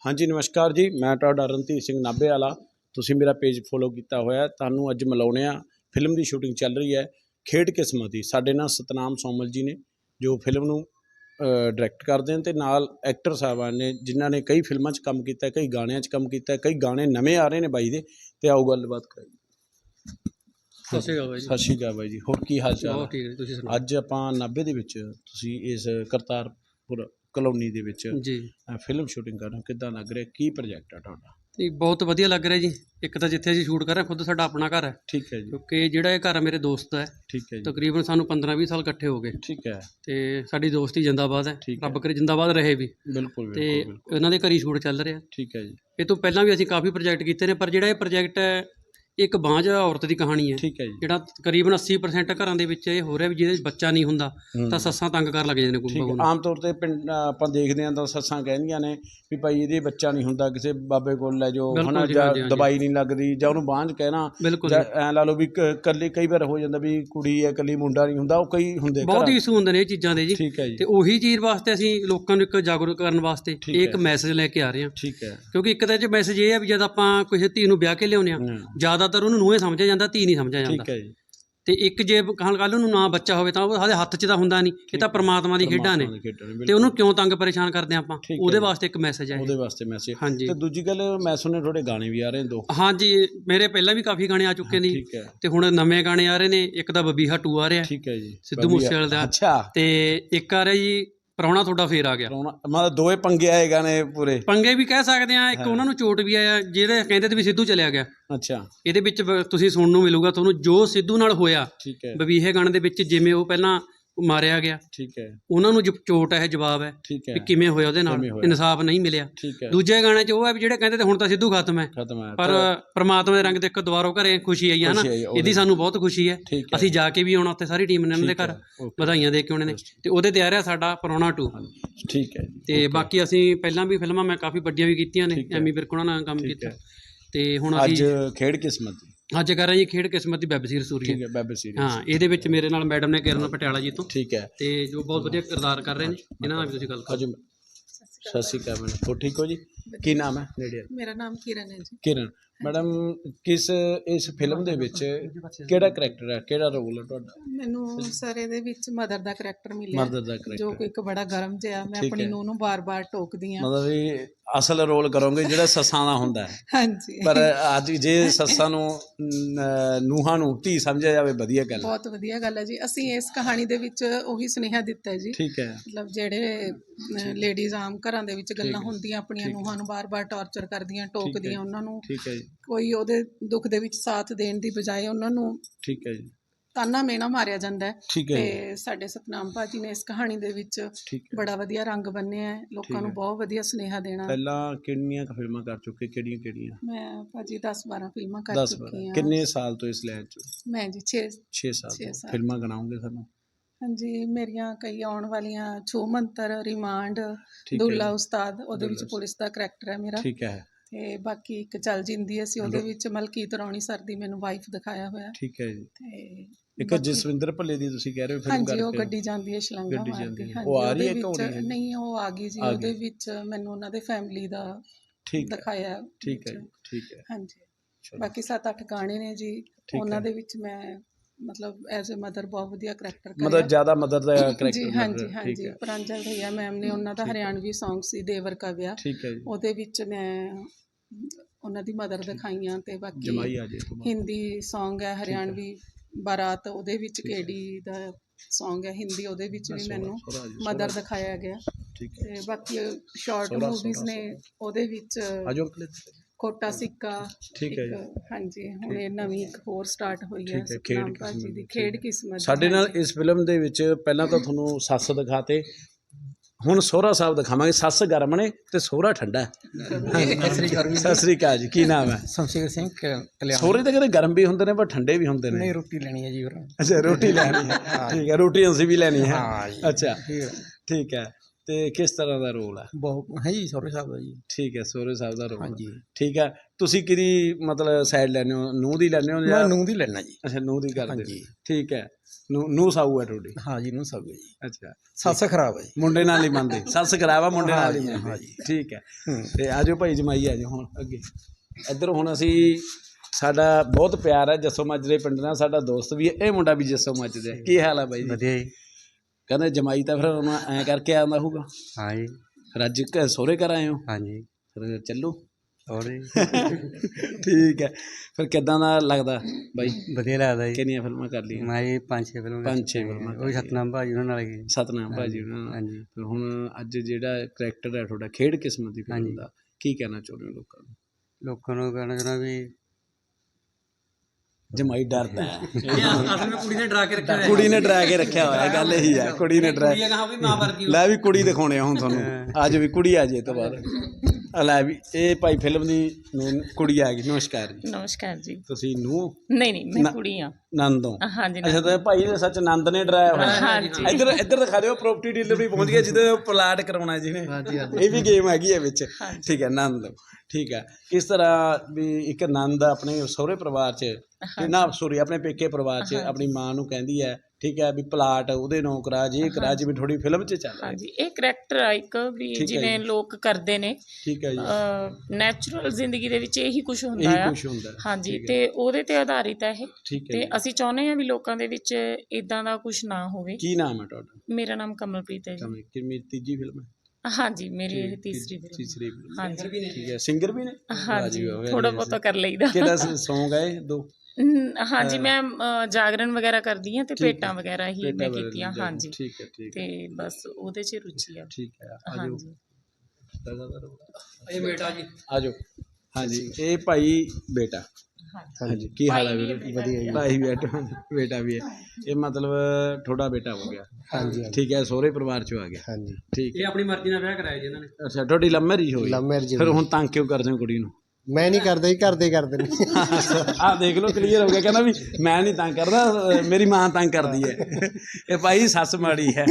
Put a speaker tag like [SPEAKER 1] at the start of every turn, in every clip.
[SPEAKER 1] हाँ जी नमस्कार जी, मैं तुहाडा रणधीर सिंह नाभे वाला। तुसीं मेरा पेज फॉलो किया होया। तुहानूं अज मिलाउने आ, फिल्म की शूटिंग चल रही है खेड किस्मत दी। साडे नाल सतनाम सोमल जी ने जो फिल्म नूं डायरैक्ट करदे ने, ते नाल एक्टर साहबान ने जिन्हां ने कई फिल्मां च काम कीता, कई गाणियां च काम कीता, कई गाने नवे आ रहे ने बाई दे। ते आओ गलबात कराईए।
[SPEAKER 2] सत श्री अकाल बाई जी।
[SPEAKER 1] सत श्री अकाल बाई जी, होर की हाल चाल
[SPEAKER 2] बहुत
[SPEAKER 1] है?
[SPEAKER 2] ठीक है, तुसीं सुणाओ।
[SPEAKER 1] अज आपां नाभे दे विच तुसीं इस करतारपुर कलोनी दे विच
[SPEAKER 2] जी
[SPEAKER 1] फिल्म शूटिंग कर रहे हो, किद्दां लग रहा? की प्रोजैक्ट है तुहाडा?
[SPEAKER 2] जी, बहुत ਵਧੀਆ ਲੱਗ ਰਿਹਾ ਜੀ। ਇੱਕ ਤਾਂ ਜਿੱਥੇ ਅਸੀਂ ਸ਼ੂਟ ਕਰ ਰਹੇ ਖੁਦ ਸਾਡਾ ਆਪਣਾ ਘਰ ਹੈ,
[SPEAKER 1] ठीक है जी,
[SPEAKER 2] ਕਿਉਂਕਿ ਜਿਹੜਾ ਇਹ ਘਰ ਹੈ ਮੇਰੇ ਦੋਸਤ ਹੈ।
[SPEAKER 1] ठीक है जी,
[SPEAKER 2] ਤਕਰੀਬਨ ਸਾਨੂੰ 15-20 ਸਾਲ ਇਕੱਠੇ ਹੋ ਗਏ
[SPEAKER 1] ठीक है,
[SPEAKER 2] ਤੇ ਸਾਡੀ ਦੋਸਤੀ ਜਿੰਦਾਬਾਦ ਹੈ।
[SPEAKER 1] ਠੀਕ ਹੈ।
[SPEAKER 2] ਰੱਬ ਕਰੇ ਜਿੰਦਾਬਾਦ ਰਹੇ ਵੀ।
[SPEAKER 1] बिल्कुल
[SPEAKER 2] ਤੇ
[SPEAKER 1] बिल्कुल बिल्कुल,
[SPEAKER 2] ਇਹਨਾਂ ਦੇ ਘਰ ਹੀ ਸ਼ੂਟ ਚੱਲ ਰਿਹਾ।
[SPEAKER 1] ठीक है जी,
[SPEAKER 2] ਇਹ ਤੋਂ ਪਹਿਲਾਂ ਵੀ ਅਸੀਂ ਕਾਫੀ ਪ੍ਰੋਜੈਕਟ ਕੀਤੇ ਨੇ, ਪਰ ਜਿਹੜਾ ਇਹ ਪ੍ਰੋਜੈਕਟ ਹੈ ਇੱਕ ਬਾਂਝ ਔਰਤ ਦੀ ਕਹਾਣੀ ਹੈ।
[SPEAKER 1] ठीक है जी,
[SPEAKER 2] ਜਿਹੜਾ ਤਕਰੀਬਨ 80% ਘਰਾਂ ਦੇ ਵਿੱਚ ਇਹ ਹੋ ਰਿਹਾ ਵੀ ਜਿਹਦੇ ਵਿੱਚ ਬੱਚਾ ਨਹੀਂ ਹੁੰਦਾ ਤਾਂ ਸੱਸਾਂ ਤੰਗ ਕਰਨ ਲੱਗ ਜਾਂਦੇ ਨੇ
[SPEAKER 1] ठीक है।
[SPEAKER 2] ਬਹੂ ਨੂੰ।
[SPEAKER 1] आम तौर पर पिंड ਆਪਾਂ ਦੇਖਦੇ ਹਾਂ ਤਾਂ ਸੱਸਾਂ ਕਹਿੰਦੀਆਂ ਨੇ ਵੀ ਭਾਈ ਇਹਦੇ ਬੱਚਾ ਨਹੀਂ ਹੁੰਦਾ, ਕਿਸੇ ਬਾਬੇ ਕੋਲ ਲੈ ਜਾਓ,
[SPEAKER 2] ਬਿਲਕੁਲ
[SPEAKER 1] ਹਨਾ,
[SPEAKER 2] ਜੀ,
[SPEAKER 1] ਜਾਂ
[SPEAKER 2] ਹਾਂਜੀ, ਹਾਂਜੀ।
[SPEAKER 1] ਦਵਾਈ ਨਹੀਂ ਲੱਗਦੀ, ਜਾਂ ਉਹਨੂੰ ਬਾਂਝ ਕਹਿਣਾ,
[SPEAKER 2] ਬਿਲਕੁਲ
[SPEAKER 1] ਜਾਂ
[SPEAKER 2] ਜੀ।
[SPEAKER 1] ਐਂ ਲਾ ਲਓ ਵੀ ਇਕੱਲੀ ਕਈ ਵਾਰ ਹੋ ਜਾਂਦਾ ਵੀ ਕੁੜੀ ਹੈ ਇਕੱਲੀ, ਮੁੰਡਾ ਨਹੀਂ ਹੁੰਦਾ, ਉਹ ਕਈ ਹੁੰਦੇ
[SPEAKER 2] ਬਹੁਤ
[SPEAKER 1] ਘਰਾਂ।
[SPEAKER 2] ਇਸ਼ੂ ਹੁੰਦੇ ਨੇ ਇਹ ਚੀਜ਼ਾਂ ਦੇ ਜੀ।
[SPEAKER 1] ਠੀਕ ਹੈ ਜੀ,
[SPEAKER 2] ਤੇ ਉਹੀ ਚੀਜ਼ ਵਾਸਤੇ ਅਸੀਂ ਲੋਕਾਂ ਨੂੰ ਇੱਕ ਜਾਗਰੂਕ ਕਰਨ ਵਾਸਤੇ
[SPEAKER 1] ਠੀਕ
[SPEAKER 2] ਇਹ ਇੱਕ
[SPEAKER 1] ਹੈ।
[SPEAKER 2] ਮੈਸੇਜ ਲੈ ਕੇ ਆ ਰਹੇ ਹਾਂ।
[SPEAKER 1] ਠੀਕ ਹੈ,
[SPEAKER 2] ਕਿਉਂਕਿ ਇੱਕ ਤਾਂ ਇਹ 'ਚ ਮੈਸੇਜ ਇਹ ਹੈ ਵੀ ਜਦ ਆਪਾਂ ਕਿਸੇ ਧੀ ਨੂੰ ਵਿਆਹ ਕੇ ਲਿਆਉਂਦੇ ਹਾਂ, ਜ਼ਿਆਦਾਤਰ ਉਹਨੂੰ ਨੂੰਹ ਹੀ ਸਮਝਿਆ ਜਾਂਦਾ, ਧੀ ਨਹੀਂ ਸਮਝਿਆ ਜਾਂਦਾ।
[SPEAKER 1] ਠੀਕ ਹੈ ਜੀ,
[SPEAKER 2] ਤੇ ਇੱਕ ਜੇ ਕੱਲ੍ਹ ਨੂੰ ਨਾ ਬੱਚਾ ਹੋਵੇ ਤਾਂ ਉਹ ਸਾਡੇ ਹੱਥ 'ਚ ਤਾਂ ਹੁੰਦਾ ਨਹੀਂ, ਇਹ ਤਾਂ ਪ੍ਰਮਾਤਮਾ ਦੀ ਖੇਡਾਂ ਨੇ। ਤੇ ਉਹਨੂੰ ਕਿਉਂ ਤੰਗ ਪਰੇਸ਼ਾਨ ਕਰਦੇ ਆਪਾਂ,
[SPEAKER 1] ਠੀਕ ਹੈ
[SPEAKER 2] ਉਹਦੇ
[SPEAKER 1] ਜੀ।
[SPEAKER 2] ਵਾਸਤੇ ਇੱਕ ਮੈਸੇਜ ਹੈ ਇਹ।
[SPEAKER 1] ਉਹਦੇ ਵਾਸਤੇ ਮੈਸੇਜ।
[SPEAKER 2] ਹਾਂਜੀ
[SPEAKER 1] ਤੇ ਦੂਜੀ ਗੱਲ, ਮੈਂ ਸੁਣਿਆ ਤੁਹਾਡੇ ਗਾਣੇ ਵੀ ਆ ਰਹੇ ਨੇ 2।
[SPEAKER 2] ਹਾਂਜੀ, ਮੇਰੇ ਪਹਿਲਾਂ ਵੀ ਕਾਫੀ ਗਾਣੇ ਆ ਚੁੱਕੇ ਨੇ ਜੀ।
[SPEAKER 1] ਠੀਕ ਹੈ,
[SPEAKER 2] ਤੇ ਹੁਣ ਨਵੇਂ ਗਾਣੇ ਆ ਰਹੇ ਨੇ। ਇੱਕ ਤਾਂ ਬਬੀਹਾ 2 ਆ ਰਿਹਾ
[SPEAKER 1] ਠੀਕ ਹੈ ਜੀ,
[SPEAKER 2] ਸਿੱਧੂ ਮੂਸੇਵਾਲੇ ਦਾ,
[SPEAKER 1] ਅੱਛਾ।
[SPEAKER 2] ਤੇ ਇੱਕ ਆ ਰਿਹਾ ਜੀ ਪ੍ਰਾਹੁਣਾ ਤੁਹਾਡਾ ਫੇਰ ਆ ਗਿਆ।
[SPEAKER 1] ਮਤਲਬ ਦੋਵੇਂ ਪੰਗੇ ਆਏ ਗਾਣੇ ਪੂਰੇ।
[SPEAKER 2] ਪੰਗੇ ਵੀ ਕਹਿ ਸਕਦੇ ਆ, ਇੱਕ ਉਹਨਾਂ ਨੂੰ ਚੋਟ ਵੀ ਆਇਆ ਜਿਹੜੇ ਕਹਿੰਦੇ ਤੇ ਵੀ ਸਿੱਧੂ ਚਲਿਆ ਗਿਆ।
[SPEAKER 1] ਅੱਛਾ,
[SPEAKER 2] ਇਹਦੇ ਵਿੱਚ ਤੁਸੀਂ ਸੁਣਨ ਨੂੰ ਮਿਲੂਗਾ ਤੁਹਾਨੂੰ ਜੋ ਸਿੱਧੂ ਨਾਲ ਹੋਇਆ।
[SPEAKER 1] ਠੀਕ ਹੈ,
[SPEAKER 2] ਬਬੀਹੇ ਗਾਣੇ ਦੇ ਵਿੱਚ ਜਿਵੇਂ ਉਹ ਪਹਿਲਾਂ ਮਾਰਿਆ ਗਿਆ,
[SPEAKER 1] ਠੀਕ ਹੈ,
[SPEAKER 2] ਉਹਨਾਂ ਨੂੰ ਚੋਟ ਹੈ, ਜਵਾਬ ਹੈ
[SPEAKER 1] ਠੀਕ ਹੈ,
[SPEAKER 2] ਵੀ ਕਿਵੇਂ ਹੋਇਆ ਉਹਦੇ ਨਾਲ,
[SPEAKER 1] ਕਿਵੇਂ ਹੋਇਆ।
[SPEAKER 2] ਇਨਸਾਫ ਨਹੀਂ ਮਿਲਿਆ।
[SPEAKER 1] ਠੀਕ ਹੈ,
[SPEAKER 2] ਦੂਜੇ ਗਾਣੇ 'ਚ ਉਹ ਹੈ ਵੀ ਜਿਹੜੇ ਕਹਿੰਦੇ ਤੇ ਹੁਣ ਤਾਂ ਸਿੱਧੂ ਖਤਮ ਹੈ,
[SPEAKER 1] ਖਤਮ ਹੈ,
[SPEAKER 2] ਪਰ ਪ੍ਰਮਾਤਮਾ ਦੇ ਰੰਗ ਤੇ ਇੱਕ ਦੁਬਾਰੋਂ ਘਰੇ ਖੁਸ਼ੀ ਆਈ ਹੈ ਨਾ,
[SPEAKER 1] ਖੁਸ਼ੀ ਆਈ, ਉਹਦੇ-
[SPEAKER 2] ਇਹਦੀ ਸਾਨੂੰ ਬਹੁਤ ਖੁਸ਼ੀ ਹੈ।
[SPEAKER 1] ਠੀਕ ਹੈ,
[SPEAKER 2] ਅਸੀਂ ਜਾ ਕੇ ਵੀ ਆਉਣਾ ਉੱਥੇ, ਸਾਰੀ ਟੀਮ ਨੇ ਇਹਨਾਂ ਦੇ
[SPEAKER 1] ਠੀਕ
[SPEAKER 2] ਘਰ
[SPEAKER 1] ਹੈ, ਓਕੇ,
[SPEAKER 2] ਵਧਾਈਆਂ ਦੇ ਕੇ ਆਉਣੇ ਨੇ। ਤੇ ਉਹਦੇ ਤੇ ਆ ਰਿਹਾ ਸਾਡਾ ਪ੍ਰਾਹੁਣਾ 2।
[SPEAKER 1] ਠੀਕ ਹੈ ਜੀ,
[SPEAKER 2] ਤੇ ਬਾਕੀ ਅਸੀਂ ਪਹਿਲਾਂ ਵੀ ਫਿਲਮਾਂ ਮੈਂ ਕਾਫੀ ਵੱਡੀਆਂ ਵੀ ਕੀਤੀਆਂ ਨੇ,
[SPEAKER 1] ਠੀਕ ਹੈ।
[SPEAKER 2] ਐਮੀ ਵਿਰਕ ਉਹਨਾਂ ਨਾਲ ਕੰਮ
[SPEAKER 1] ਠੀਕ
[SPEAKER 2] ਕੀਤਾ।
[SPEAKER 1] ਹੈ।
[SPEAKER 2] ਤੇ ਹੁਣ
[SPEAKER 1] ਅੱਜ
[SPEAKER 2] ਅਸੀਂ
[SPEAKER 1] ਖੇਡ ਕਿਸਮਤ ਦੀ,
[SPEAKER 2] ਅੱਜ ਕਰ ਰਹੇ ਜੀ ਖੇਡ ਕਿਸਮਤ ਦੀ ਵੈਬ ਸੀਰੀਜ਼ ਸੂਰੀ।
[SPEAKER 1] ਠੀਕ ਹੈ, ਵੈਬ ਸੀਰੀਜ਼।
[SPEAKER 2] ਹਾਂ, ਇਹਦੇ ਵਿੱਚ ਮੇਰੇ ਨਾਲ ਮੈਡਮ ਨੇ ਕਿਰਨ ਪਟਿਆਲਾ ਜੀ ਤੋਂ,
[SPEAKER 1] ਠੀਕ ਹੈ,
[SPEAKER 2] ਤੇ ਜੋ ਬਹੁਤ ਵਧੀਆ ਕਿਰਦਾਰ ਕਰ ਰਹੇ ਨੇ, ਇਹਨਾਂ ਨਾਲ ਵੀ ਤੁਸੀਂ ਗੱਲ ਕਰੋ।
[SPEAKER 1] ਅੱਜ ਸਤਿ ਸ਼੍ਰੀ ਅਕਾਲ ਮੈਡਮ, ਹੋ ਠੀਕ ਹੋ ਜੀ? ਕੀ ਨਾਮ ਹੈ? ਨੇੜੇ
[SPEAKER 3] ਮੇਰਾ ਨਾਮ ਕਿਰਨ ਹੈ ਜੀ।
[SPEAKER 1] ਕਿਰਨ ਮੈਡਮ, ਇਸ ਫਿਲਮ ਦੇ ਵਿੱਚ ਕਿਹੜਾ ਕਰੈਕਟਰ ਹੈ, ਕਿਹੜਾ ਰੋਲ ਹੈ ਤੁਹਾਡਾ?
[SPEAKER 3] ਮੈਨੂੰ ਸਰ ਇਹਦੇ ਵਿੱਚ ਮਦਰ ਦਾ ਕਰੈਕਟਰ ਮਿਲਿਆ,
[SPEAKER 1] ਮਦਰ ਦਾ
[SPEAKER 3] ਜੋ
[SPEAKER 1] ਕਰੈਕਟਰ,
[SPEAKER 3] ਕਿ ਇੱਕ ਬੜਾ ਗਰਮ ਜਿਹਾ, ਮੈਂ
[SPEAKER 1] ਠੀਕ
[SPEAKER 3] ਆਪਣੀ
[SPEAKER 1] ਹੈ।
[SPEAKER 3] ਨੂੰਹ ਨੂੰ ਬਾਰ-ਬਾਰ ਟੋਕਦੀ ਹਾਂ।
[SPEAKER 1] ਮਤਲਬ ਵੀ ਅਸਲ ਰੋਲ ਕਰੋਗੇ ਜਿਹੜਾ ਸੱਸਾਂ ਦਾ ਹੁੰਦਾ ਹੈ।
[SPEAKER 3] ਹਾਂਜੀ,
[SPEAKER 1] ਪਰ ਅੱਜ ਜੇ ਸੱਸਾਂ ਨੂੰ ਨੂੰਹਾਂ ਨੂੰ ਧੀ ਸਮਝਿਆ ਜਾਵੇ, ਵਧੀਆ ਗੱਲ ਹੈ।
[SPEAKER 3] ਬਹੁਤ ਵਧੀਆ ਗੱਲ ਹੈ ਜੀ। ਅਸੀਂ ਇਸ ਕਹਾਣੀ ਦੇ ਵਿੱਚ ਉਹੀ ਸੁਨੇਹਾ ਦਿੱਤਾ ਹੈ ਜੀ।
[SPEAKER 1] ਠੀਕ ਹੈ,
[SPEAKER 3] ਮਤਲਬ ਜਿਹੜੇ ਲੇਡੀਜ਼ ਆਮ ਘਰਾਂ ਦੇ ਵਿੱਚ ਗੱਲਾਂ ਹੁੰਦੀਆਂ, ਆਪਣੀਆਂ ਨੂੰਹਾਂ ਨੂੰ ਬਾਰ-ਬਾਰ ਟੌਰਚਰ ਕਰਦੀਆਂ, ਟੋਕਦੀਆਂ, ਉਹਨਾਂ ਨੂੰ
[SPEAKER 1] ਠੀਕ ਹੈ ਜੀ,
[SPEAKER 3] ਕੋਈ ਉਹਦੇ ਦੁੱਖ ਦੇ ਵਿੱਚ ਸਾਥ ਦੇਣ ਦੀ ਬਜਾਏ ਉਹਨਾਂ ਨੂੰ
[SPEAKER 1] ਠੀਕ ਹੈ ਜੀ,
[SPEAKER 3] ਤਾਨਾ ਮੇਨਾ ਮਾਰਿਆ ਜਾਂਦਾ ਹੈ।
[SPEAKER 1] ਠੀਕ ਹੈ ਜੀ,
[SPEAKER 3] ਤੇ ਸਾਡੇ ਸਤਨਾਮ ਭਾਜੀ ਨੇ ਇਸ ਕਹਾਣੀ ਦੇ ਵਿੱਚ
[SPEAKER 1] ਠੀਕ ਹੈ।
[SPEAKER 3] ਬੜਾ ਵਧੀਆ ਰੰਗ ਬੰਨਿਆ ਹੈ,
[SPEAKER 1] ਠੀਕ
[SPEAKER 3] ਲੋਕਾਂ
[SPEAKER 1] ਹੈ।
[SPEAKER 3] ਨੂੰ ਬਹੁਤ ਵਧੀਆ ਸੁਨੇਹਾ ਦੇਣਾ।
[SPEAKER 1] ਪਹਿਲਾਂ ਕਿੰਨੀਆਂ ਕੁ ਫਿਲਮਾਂ ਕਰ ਚੁੱਕੇ, ਕਿਹੜੀਆਂ ਕਿਹੜੀਆਂ?
[SPEAKER 3] ਮੈਂ ਭਾਜੀ 10-12 ਫਿਲਮਾਂ ਕਰ
[SPEAKER 1] 10
[SPEAKER 3] ਚੁੱਕੀ ਹਾਂ।
[SPEAKER 1] ਕਿੰਨੇ ਸਾਲ ਤੋਂ ਇਸ ਲਾਈਨ 'ਚ?
[SPEAKER 3] ਮੈਂ ਜੀ 6
[SPEAKER 1] 6 ਸਾਲ
[SPEAKER 3] ਛੇ
[SPEAKER 1] ਤੋਂ।
[SPEAKER 3] ਸਾਲ।
[SPEAKER 1] ਫਿਲਮਾਂ ਗਣਾਉਂਗੇ ਸਾਨੂੰ?
[SPEAKER 3] ਹਾਂਜੀ, ਮੇਰੀਆਂ ਕਈ ਆਉਣ ਵਾਲੀਆਂ ਛੂ ਮੰਤਰ, ਰਿਮਾਂਡ,
[SPEAKER 1] ਠੀਕ ਹੈ
[SPEAKER 3] ਦੁੱਲਾ
[SPEAKER 1] ਜੀ,
[SPEAKER 3] ਉਸਤਾਦ, ਉਹਦੇ ਵਿੱਚ
[SPEAKER 1] ਦੁੱਲਾ
[SPEAKER 3] ਪੁਲਿਸ ਦਾ ਕਰੈਕਟਰ ਹੈ ਮੇਰਾ।
[SPEAKER 1] ਠੀਕ ਹੈ,
[SPEAKER 3] ਤੇ ਬਾਕੀ ਇੱਕ ਚੱਲ ਜਿੰਦੀ ਅਸੀਂ ਉਹਦੇ ਵਿੱਚ ਮਲਕੀਤ ਰੌਣੀ ਸਰ ਦੀ ਮੈਨੂੰ ਵਾਈਫ ਦਿਖਾਇਆ ਹੋਇਆ।
[SPEAKER 1] ਠੀਕ ਹੈ ਜੀ।
[SPEAKER 3] ਤੇ
[SPEAKER 1] ਇੱਕ
[SPEAKER 3] ਬਾਕੀ-
[SPEAKER 1] ਜਸਵਿੰਦਰ ਭੱਲੇ ਦੀ ਤੁਸੀਂ ਕਹਿ ਰਹੇ ਹੋ ਫਿਲਮ
[SPEAKER 3] ਹਾਂਜੀ, ਉਹ
[SPEAKER 1] ਕਰਕੇ?
[SPEAKER 3] ਗੱਡੀ ਜਾਂਦੀ ਹੈ ਛਲਾਂਗਾ
[SPEAKER 1] ਗੱਡੀ
[SPEAKER 3] ਮਾਰਦੀ।
[SPEAKER 1] ਜਾਂਦੀ ਹੈ।
[SPEAKER 3] ਹਾਂਜੀ,
[SPEAKER 1] ਉਹ ਆ ਰਹੀ ਹੈ
[SPEAKER 3] ਉਹਦੇ
[SPEAKER 1] ਕਿ
[SPEAKER 3] ਵਿੱਚ
[SPEAKER 1] ਆਉਣੀ ਹੈ?
[SPEAKER 3] ਨਹੀਂ, ਉਹ ਆ ਗਈ ਜੀ।
[SPEAKER 1] ਆ
[SPEAKER 3] ਉਹਦੇ
[SPEAKER 1] ਗਈ।
[SPEAKER 3] ਵਿੱਚ ਮੈਨੂੰ ਉਹਨਾਂ ਦੇ ਫੈਮਿਲੀ ਦਾ
[SPEAKER 1] ਠੀਕ ਹੈ,
[SPEAKER 3] ਦਿਖਾਇਆ।
[SPEAKER 1] ਠੀਕ ਹੈ
[SPEAKER 3] ਵਿੱਚ।
[SPEAKER 1] ਜੀ, ਠੀਕ ਹੈ,
[SPEAKER 3] ਹਾਂਜੀ,
[SPEAKER 1] ਚਲੋ,
[SPEAKER 3] ਬਾਕੀ 7-8 ਗਾਣੇ ਨੇ ਜੀ।
[SPEAKER 1] ਠੀਕ
[SPEAKER 3] ਉਹਨਾਂ
[SPEAKER 1] ਹੈ।
[SPEAKER 3] ਦੇ ਵਿੱਚ ਮੈਂ ਮਤਲਬ ਐਜ਼ ਅ ਮਦਰ ਬਹੁਤ ਵਧੀਆ ਕਰੈਕਟਰ
[SPEAKER 1] ਮਤਲਬ
[SPEAKER 3] ਕਰਿਆ
[SPEAKER 1] ਜ਼ਿਆਦਾ ਮਦਰ ਦਾ ਕਰੈਕਟਰ
[SPEAKER 3] ਜੀ।
[SPEAKER 1] ਲੱਗ
[SPEAKER 3] ਹਾਂਜੀ
[SPEAKER 1] ਰਿਹਾ। ਠੀਕ
[SPEAKER 3] ਹਾਂਜੀ,
[SPEAKER 1] ਹੈ,
[SPEAKER 3] ਪ੍ਰਾਂਜਲ ਭਈਆ ਮੈਮ ਨੇ ਉਹਨਾਂ ਦਾ
[SPEAKER 1] ਠੀਕ ਹੈ।
[SPEAKER 3] ਹਰਿਆਣਵੀ Song ਸੀ ਦੇਵਰ ਕਾ ਵਿਆਹ,
[SPEAKER 1] ਠੀਕ ਹੈ ਜੀ,
[SPEAKER 3] ਉਹਦੇ ਵਿੱਚ ਮੈਂ ਉਹਨਾਂ ਦੀ ਮਦਰ ਦਿਖਾਈਆਂ। ਤੇ ਬਾਕੀ
[SPEAKER 1] ਜਮਾਈ ਆ ਜੇ ਤੋਂ ਬਾਅਦ।
[SPEAKER 3] ਹਿੰਦੀ Song ਹੈ, ਹਰਿਆਣਵੀ ਬਾਰਾਤ, ਉਹਦੇ ਵਿੱਚ
[SPEAKER 1] ਠੀਕ ਹੈ।
[SPEAKER 3] ਕੇਡੀ ਦਾ Song ਹੈ ਹਿੰਦੀ, ਉਹਦੇ ਵਿੱਚ ਵੀ ਮੈਨੂੰ
[SPEAKER 1] ਸੋਹਰਾ ਜੀ,
[SPEAKER 3] ਮਦਰ
[SPEAKER 1] ਸੋਹਰਾ।
[SPEAKER 3] ਦਿਖਾਇਆ ਗਿਆ।
[SPEAKER 1] ਠੀਕ ਹੈ,
[SPEAKER 3] ਤੇ ਬਾਕੀ ਸ਼ਾਰਟ
[SPEAKER 1] ਸੋਹਰਾ,
[SPEAKER 3] ਮੂਵੀਜ਼
[SPEAKER 1] ਸੋਹਰਾ,
[SPEAKER 3] ਨੇ, ਉਹਦੇ ਵਿੱਚ
[SPEAKER 1] ਆਜੋ ਅੰਕਲ।
[SPEAKER 3] ਕੋਟਾ ਸਿੱਕਾ,
[SPEAKER 1] ਠੀਕ ਹੈ
[SPEAKER 3] ਇੱਕ
[SPEAKER 1] ਜੀ,
[SPEAKER 3] ਹਾਂਜੀ, ਹੁਣ ਇਹ ਨਵੀਂ ਇੱਕ ਹੋਰ ਸਟਾਰਟ ਹੋਈ ਹੈ,
[SPEAKER 1] ਠੀਕ ਹੈ, ਖੇਡ
[SPEAKER 3] ਸਤਨਾਮ ਭਾਜੀ
[SPEAKER 1] ਕਿਸਮਤ
[SPEAKER 3] ਦੀ
[SPEAKER 1] ਦੀ।
[SPEAKER 3] ਖੇਡ ਕਿਸਮਤ।
[SPEAKER 1] ਸਾਡੇ ਨਾਲ
[SPEAKER 3] ਹਾਂਜੀ।
[SPEAKER 1] ਇਸ ਫਿਲਮ ਦੇ ਵਿੱਚ ਪਹਿਲਾਂ ਤਾਂ ਤੁਹਾਨੂੰ ਸੱਸ ਦਿਖਾਤੇ, ਹੁਣ ਸੋਹਰਾ ਸਾਹਿਬ ਦਿਖਾਵਾਂਗੇ। ਸੱਸ ਗਰਮ ਨੇ ਤੇ ਸੋਹਰਾ ਠੰਡਾ ਹੈ। ਸਤਿ ਸ੍ਰੀ ਅਕਾਲ ਜੀ, ਕੀ ਨਾਮ ਹੈ?
[SPEAKER 4] ਸ਼ਮਸ਼ੇਰ ਸਿੰਘ ਕਲਿਆਣ।
[SPEAKER 1] ਸੋਹਰੇ ਤਾਂ ਕਹਿੰਦੇ ਗਰਮ ਵੀ ਹੁੰਦੇ ਨੇ ਪਰ ਠੰਡੇ ਵੀ ਹੁੰਦੇ ਨੇ।
[SPEAKER 4] ਨਹੀਂ, ਰੋਟੀ ਲੈਣੀ ਹੈ ਜੀ ਫਿਰ।
[SPEAKER 1] ਅੱਛਾ, ਰੋਟੀ ਲੈਣੀ ਹੈ। ਠੀਕ ਹੈ, ਰੋਟੀ ਅਸੀਂ ਵੀ ਲੈਣੀ ਹੈ।
[SPEAKER 4] ਹਾਂ ਜੀ।
[SPEAKER 1] ਅੱਛਾ,
[SPEAKER 4] ਠੀਕ ਹੈ।
[SPEAKER 1] ਠੀਕ ਹੈ। ਤੇ ਕਿਸ ਤਰ੍ਹਾਂ ਦਾ ਰੋਲ ਹੈ?
[SPEAKER 4] ਬਹੁਤ ਹੈ ਜੀ ਸਹੁਰੇ ਸਾਹਿਬ ਦਾ ਜੀ।
[SPEAKER 1] ਠੀਕ ਹੈ, ਸਹੁਰੇ ਸਾਹਿਬ ਦਾ ਰੋਲ।
[SPEAKER 4] ਹਾਂਜੀ
[SPEAKER 1] ਠੀਕ ਹੈ, ਤੁਸੀਂ ਕਿਹਦੀ ਮਤਲਬ ਸਾਈਡ ਲੈਂਦੇ ਹੋ? ਨੂੰਹ ਦੀ ਲੈਂਦੇ ਹੋ
[SPEAKER 4] ਮੈਂ
[SPEAKER 1] ਜਾਂ?
[SPEAKER 4] ਨੂੰ ਦੀ ਲੈਣਾ ਜੀ।
[SPEAKER 1] ਅੱਛਾ, ਨੂੰਹ ਦੀ ਕਰਦੇ ਹੋ।
[SPEAKER 4] ਹਾਂਜੀ
[SPEAKER 1] ਠੀਕ ਹੈ, ਨੂੰਹ ਸਾਊ ਹੈ ਤੁਹਾਡੀ।
[SPEAKER 4] ਹਾਂ ਜੀ ਨੂੰ ਸਭ ਜੀ।
[SPEAKER 1] ਅੱਛਾ,
[SPEAKER 4] ਸੱਸ ਖਰਾਬ ਹੈ ਜੀ।
[SPEAKER 1] ਮੁੰਡੇ ਨਾਲ ਹੀ ਮੰਨਦੇ, ਸੱਸ ਖਰਾਬ ਆ ਮੁੰਡੇ ਨਾਲ ਹੀ
[SPEAKER 4] ਹਾਂ
[SPEAKER 1] ਮੰਨਦੇ।
[SPEAKER 4] ਜੀ।
[SPEAKER 1] ਠੀਕ ਹੈ,
[SPEAKER 4] ਹੂੰ।
[SPEAKER 1] ਤੇ ਆਜੋ ਭਾਈ ਜਮਾਈ ਆਜੋ ਹੁਣ ਅੱਗੇ ਇੱਧਰ। ਹੁਣ ਅਸੀਂ ਸਾਡਾ ਬਹੁਤ ਪਿਆਰ ਹੈ ਜੱਸੋ ਮਾਜਰੇ ਪਿੰਡ ਨਾਲ, ਸਾਡਾ ਦੋਸਤ ਵੀ ਹੈ, ਇਹ ਮੁੰਡਾ ਵੀ ਜੱਸੋ ਮਾਜਰੇ। ਕੀ ਹਾਲ ਹੈ ਬਾਈ ਜੀ?
[SPEAKER 5] ਵਧੀਆ ਜੀ।
[SPEAKER 1] ਕਹਿੰਦੇ ਜਮਾਈ ਤਾਂ ਫਿਰ ਹੁਣ ਐਂ ਕਰਕੇ ਆਉਂਦਾ ਹੋਊਗਾ।
[SPEAKER 5] ਹਾਂ ਜੀ।
[SPEAKER 1] ਫਿਰ ਅੱਜ ਸਹੁਰੇ ਘਰ ਆਏ ਹੋ,
[SPEAKER 5] ਹਾਂਜੀ
[SPEAKER 1] ਫਿਰ ਚੱਲੋ।
[SPEAKER 5] ਹੋਰ ਜੀ
[SPEAKER 1] ਠੀਕ ਹੈ, ਫਿਰ ਕਿੱਦਾਂ ਦਾ ਲੱਗਦਾ ਬਾਈ?
[SPEAKER 5] ਵਧੀਆ ਲੱਗਦਾ ਜੀ।
[SPEAKER 1] ਕਿੰਨੀਆਂ ਫਿਲਮਾਂ ਕਰ ਲਈਆਂ?
[SPEAKER 5] ਮੈਂ ਜੀ 5-6 ਫਿਲਮਾਂ
[SPEAKER 1] ਪੰਜ ਛੇ ਫਿਲਮਾਂ
[SPEAKER 5] ਉਹ ਵੀ ਸਤਨਾਮ ਭਾਜੀ ਉਹਨਾਂ ਨਾਲ ਹੀ।
[SPEAKER 1] ਸਤਨਾਮ ਭਾਜੀ ਉਹਨਾਂ ਨਾਲ।
[SPEAKER 5] ਹਾਂਜੀ
[SPEAKER 1] ਫਿਰ ਹੁਣ ਅੱਜ ਜਿਹੜਾ ਕਰੈਕਟਰ ਹੈ ਤੁਹਾਡਾ ਖੇਡ ਕਿਸਮਤ ਦੀ ਫਿਲਮ
[SPEAKER 5] ਹਾਂਜੀ।
[SPEAKER 1] ਦਾ, ਕੀ ਕਹਿਣਾ ਚਾਹੁੰਦੇ ਹੋ ਲੋਕਾਂ ਨੂੰ?
[SPEAKER 5] ਲੋਕਾਂ ਨੂੰ ਕਹਿਣਾ ਚਾਹੁੰਦਾ ਵੀ
[SPEAKER 1] ਜਮਾਈ ਡਰਦਾ ਹੈ।
[SPEAKER 2] ਇਹ ਅਸਲ ਵਿੱਚ ਕੁੜੀ ਨੇ ਡਰਾ ਕੇ ਰੱਖਿਆ ਹੋਇਆ
[SPEAKER 1] ਕੁੜੀ ਨੇ ਡਰਾ ਕੇ ਰੱਖਿਆ ਹੋਇਆ, ਗੱਲ ਇਹੀ ਹੈ, ਕੁੜੀ ਨੇ ਡਰਾ।
[SPEAKER 2] ਕੁੜੀ ਕਹਾ ਵੀ ਮਾਂ ਵਰਗੀ
[SPEAKER 1] ਲੈ ਵੀ ਕੁੜੀ ਦਿਖਾਉਣੇ ਆ ਹੁਣ ਤੁਹਾਨੂੰ, ਅੱਜ ਵੀ ਕੁੜੀ ਆ ਜੇ ਇਹ ਤੋਂ ਬਾਅਦ। ਲੈ ਵੀ ਇਹ ਭਾਈ ਫਿਲਮ ਦੀ ਮੇਨ ਕੁੜੀ ਆ ਗਈ। ਨਮਸਕਾਰ ਜੀ।
[SPEAKER 6] ਨਮਸਕਾਰ ਜੀ।
[SPEAKER 1] ਤੁਸੀਂ ਨੂੰਹ
[SPEAKER 6] ਨਹੀਂ ਨਹੀਂ ਮੈਂ ਕੁੜੀ ਆ।
[SPEAKER 1] ਨੰਦੋਂ?
[SPEAKER 6] ਹਾਂਜੀ
[SPEAKER 1] ਅੱਛਾ, ਤੇ ਭਾਈ ਨੇ ਸੱਚ ਨੰਦ ਨੇ ਡਰਾਇਆ ਹੋਇਆ।
[SPEAKER 6] ਹਾਂਜੀ।
[SPEAKER 1] ਇੱਧਰ ਦਿਖਾ ਦਿਓ, ਪ੍ਰਾਪਰਟੀ ਡੀਲਰ ਵੀ ਪਹੁੰਚ ਗਿਆ ਜਿਹਦੇ ਪਲਾਟ ਕਰਾਉਣਾ ਜਿਹਨੇ। ਇਹ ਵੀ ਗੇਮ ਹੈਗੀ ਹੈ ਵਿੱਚ। ਠੀਕ ਹੈ, ਨੰਦ। ਠੀਕ ਹੈ, ਇਸ ਤਰ੍ਹਾਂ ਵੀ ਇੱਕ ਨੰਦ ਆਪਣੇ ਸਹੁਰੇ ਪਰਿਵਾਰ 'ਚ ਨਾ ਸੋਰੀ ਆਪਣੇ ਪੇਕੇ ਪਰਿਵਾਰ 'ਚ ਆਪਣੀ ਮਾਂ ਨੂੰ ਕਹਿੰਦੀ ਹੈ, ਠੀਕ ਹੈ, ਵੀ ਪਲਾਟ ਉਹਦੇ ਨਾਂ ਕਰਾ, ਜੇ ਕਰਾ, ਜਿਵੇਂ ਥੋੜੀ ਫਿਲਮ 'ਚ ਚੱਲ ਰਿਹਾ।
[SPEAKER 6] ਹਾਂਜੀ, ਇਹ ਕਰੈਕਟਰ ਆ ਇੱਕ ਵੀ
[SPEAKER 1] ਠੀਕ ਹੈ
[SPEAKER 6] ਜਿਵੇਂ
[SPEAKER 1] ਜੀ।
[SPEAKER 6] ਲੋਕ ਕਰਦੇ ਨੇ।
[SPEAKER 1] ਠੀਕ ਹੈ ਜੀ,
[SPEAKER 6] ਨੈਚੁਰਲ ਜ਼ਿੰਦਗੀ ਦੇ ਵਿੱਚ ਇਹੀ ਕੁਝ ਹੁੰਦਾ
[SPEAKER 1] ਇਹੀ
[SPEAKER 6] ਆ।
[SPEAKER 1] ਕੁਛ ਹੁੰਦਾ ਹੈ।
[SPEAKER 6] ਹਾਂਜੀ,
[SPEAKER 1] ਠੀਕ ਹੈ।
[SPEAKER 6] ਤੇ ਉਹਦੇ ਤੇ ਆਧਾਰਿਤ ਹੈ ਇਹ।
[SPEAKER 1] ਠੀਕ ਹੈ
[SPEAKER 6] ਤੇ
[SPEAKER 1] ਜੀ।
[SPEAKER 6] ਅਸੀਂ ਚਾਹੁੰਦੇ ਹਾਂ ਵੀ ਲੋਕਾਂ ਦੇ ਵਿੱਚ ਇਦਾਂ ਦਾ ਕੁਝ ਨਾ ਹੋਵੇ।
[SPEAKER 1] ਕੀ ਨਾਮ ਹੈ ਤੁਹਾਡਾ?
[SPEAKER 6] ਮੇਰਾ ਨਾਮ ਕਮਲਪ੍ਰੀਤ ਹੈ ਜੀ।
[SPEAKER 1] ਕਿ ਮੇਰੀ ਤੀਜੀ ਫਿਲਮ ਹੈ?
[SPEAKER 6] ਹਾਂਜੀ, ਮੇਰੀ ਇਹ ਤੀਸਰੀ ਫਿਲਮ।
[SPEAKER 1] ਤੀਸਰੀ ਫਿਲਮ।
[SPEAKER 6] ਹਾਂਜੀ
[SPEAKER 1] ਠੀਕ ਹੈ, ਸਿੰਗਰ ਵੀ ਨੇ?
[SPEAKER 6] ਹਾਂਜੀ, ਥੋੜਾ ਬਹੁਤਾ ਕਰ ਲਈਦਾ।
[SPEAKER 1] ਕਿਹੜਾ ਸੌਂਗ ਹੈ ਇਹ? ਦੋ?
[SPEAKER 6] ਹਾਂਜੀ, ਮੈਂ ਜਾਗਰਣ ਵਗੈਰਾ ਕਰਦੀ ਹਾਂ ਤੇ
[SPEAKER 1] ਠੀਕ ਹੈ।
[SPEAKER 6] ਭੇਟਾਂ ਵਗੈਰਾ ਹੀ
[SPEAKER 1] ਭੇਟਾਂ
[SPEAKER 6] ਮੈਂ
[SPEAKER 1] ਵਗੈਰਾ
[SPEAKER 6] ਕੀਤੀਆਂ।
[SPEAKER 1] ਦੀਆਂ।
[SPEAKER 6] ਹਾਂਜੀ,
[SPEAKER 1] ਠੀਕ ਹੈ, ਠੀਕ ਹੈ,
[SPEAKER 6] ਤੇ ਬਸ ਉਹਦੇ 'ਚ ਰੁਚੀ ਆ।
[SPEAKER 1] ਠੀਕ ਹੈ। ਆਜੋ
[SPEAKER 6] ਹਾਂਜੀ।
[SPEAKER 2] ਇਹ ਬੇਟਾ ਜੀ।
[SPEAKER 1] ਆਜੋ। ਹਾਂਜੀ, ਇਹ ਭਾਈ ਬੇਟਾ। ਹਾਂਜੀ, ਕੀ ਹਾਲ ਹੈ ਵੀਰੇ?
[SPEAKER 4] ਵਧੀਆ ਜੀ।
[SPEAKER 1] ਭਾਈ ਬੇਟਾ ਵੀ ਹੈ। ਇਹ ਮਤਲਬ ਤੁਹਾਡਾ ਬੇਟਾ ਹੋ ਗਿਆ।
[SPEAKER 4] ਹਾਂਜੀ
[SPEAKER 1] ਠੀਕ ਹੈ, ਸਹੁਰੇ ਪਰਿਵਾਰ ਚੋਂ ਆ ਗਿਆ।
[SPEAKER 4] ਹਾਂਜੀ।
[SPEAKER 1] ਠੀਕ
[SPEAKER 2] ਇਹ ਆਪਣੀ ਮਰਜ਼ੀ ਨਾਲ ਵਿਆਹ ਕਰਾਇਆ ਜੀ ਇਹਨਾਂ ਨੇ।
[SPEAKER 1] ਅੱਛਾ, ਤੁਹਾਡੀ ਲਵ ਮੈਰਿਜ ਹੋਈ?
[SPEAKER 4] Love marriage.
[SPEAKER 1] ਫਿਰ ਹੁਣ ਤੰਗ ਕਿਉਂ ਕਰਦੇ ਹੋ ਕੁੜੀ ਨੂੰ?
[SPEAKER 4] ਮੈਂ ਨਹੀਂ ਕਰਦਾ ਜੀ, ਘਰ ਦੇ ਕਰਦੇ ਨੇ।
[SPEAKER 1] ਆਹ ਦੇਖ ਲਓ, ਕਲੀਅਰ ਹੋ ਗਿਆ। ਕਹਿੰਦਾ ਵੀ ਮੈਂ ਨਹੀਂ ਤੰਗ ਕਰਦਾ, ਮੇਰੀ ਮਾਂ ਤੰਗ ਕਰਦੀ ਹੈ। ਇਹ ਭਾਈ ਸੱਸ ਮਾੜੀ ਹੈ।